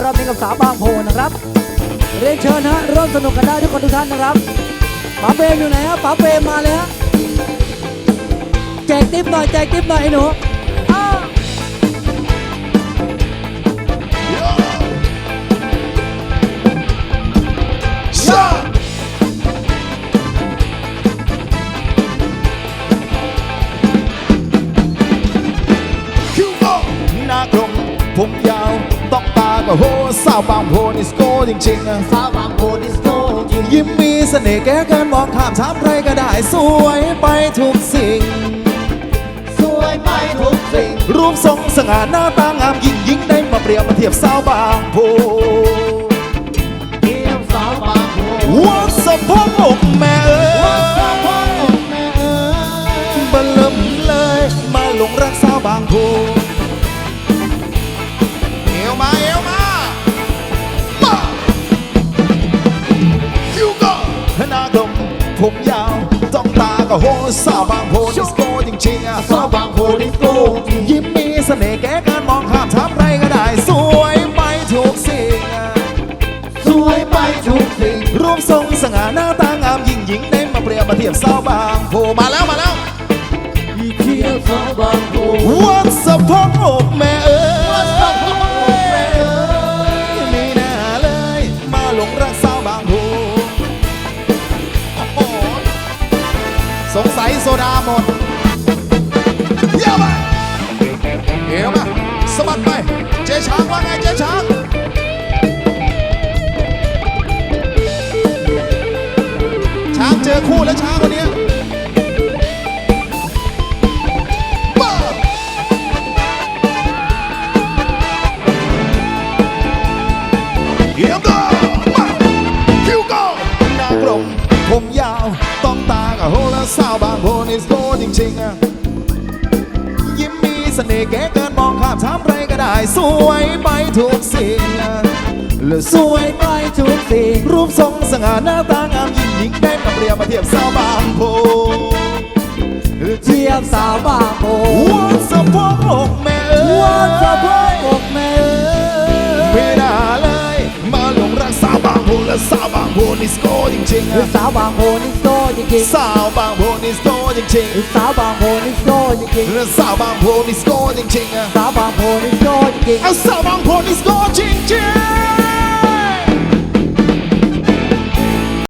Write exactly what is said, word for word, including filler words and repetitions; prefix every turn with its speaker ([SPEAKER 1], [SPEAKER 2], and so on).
[SPEAKER 1] รับนี้กับสาวบางโพนะครับเรียนเชิญฮะร่วมสนุกกันได้ทุกคนทุกท่านนะครับป๋าเปรมอยู่ไหนฮะป๋าเปรมมาเลยฮะแจกติ๊บหน่อยแจกติ๊บหน่อยไอ้หนูอ้าว
[SPEAKER 2] หน้ากลมผมยาวต้องตาก็โหสาวบางโพนี่สโกจริงๆ
[SPEAKER 3] สาวบางโพนี่สโกจริง
[SPEAKER 2] ยิ้มมีเสน่ห์แก้เกินมองข้ามถามใครก็ได้สวยไปทุกสิ่ง
[SPEAKER 3] สวยไปทุกสิ่ง
[SPEAKER 2] รูปทรงสง่าหน้าตางามยิ่งยิ่งได้มาเปรียบมาเทียบสาวบางโพ
[SPEAKER 3] เทียบสาวบางโพ
[SPEAKER 2] วัดสะโพกอกแม่เอ๋
[SPEAKER 3] วัดสะโพกอกแม่เอ๋ย
[SPEAKER 2] บัลลมเลยมาหลงรักสาวบางโพเอวมาเอวมามาคิวก็หน้ากลมผมยาวจ้องตาก็โหสาวบางโพนี่สโกจริงๆอะ
[SPEAKER 3] สาวบางโพนี่สโกจริง
[SPEAKER 2] ยิ้มมีเสน่ห์แก้การมองข้ามถามใครก็ได้สวยไปทุกสิ่ง
[SPEAKER 3] สวยไปทุกสิ่ง
[SPEAKER 2] รูปทรงสง่าหน้าตางามยิ่งยิ่งได้มาเปรียบมาเทียบสาวบางโพมาแล้วมาแล้ว
[SPEAKER 3] เทียบสาวบางโพ
[SPEAKER 2] วัดสะโพกอกแม่เอ๋
[SPEAKER 3] วัดสะโพกอกแม่เอ๋ย
[SPEAKER 2] ไม่น่าเลยมาหลงรักสาวบางโพโอ้โหสงสัยโซดาหมดเยี่ยมไปเยี่ยมมาสะบัดไปเจ๊ช้างว่าไงเจ๊ช้างช้างเจอคู่แล้วช้างคนนี้บ้าเยี่ยมเลยมาคิวก็หน้ากลมผมยาวต้องตากับโหแล้วสาวบางโพนี่สโกจริงๆอะยิ้มมีเสน่ห์แก้เกินมองข้ามถามใครก็ได้สวยไปทุกสิ่งและสวยไปทุกสิ่งรูปทรงสง่าหน้าตางามยิ่งยิ่งได้มาเปรียบมาเทียบสาวบางโพ
[SPEAKER 1] เทียบสาวบางโพ
[SPEAKER 2] วัดสะโพกอกแม่เอ๋ย
[SPEAKER 1] วัดสะโพกอกแม่เอ๋ย
[SPEAKER 2] ไม่น่าเลยมาหลงรักสาวบางโพและสาวบางโพนี่สโกจริงๆอะ
[SPEAKER 1] สาวบางโพนี่สโตจริง
[SPEAKER 2] สาวบางโพนี่สโกจริง
[SPEAKER 1] ๆสาวบางโพนี่สโตจริง
[SPEAKER 2] ๆและสาวบางโพนี่สโกจริงๆอะ
[SPEAKER 1] ๆสาวบางโพนี่สโตจริง
[SPEAKER 2] เอาสาวบางโพนี่สโกจริงๆ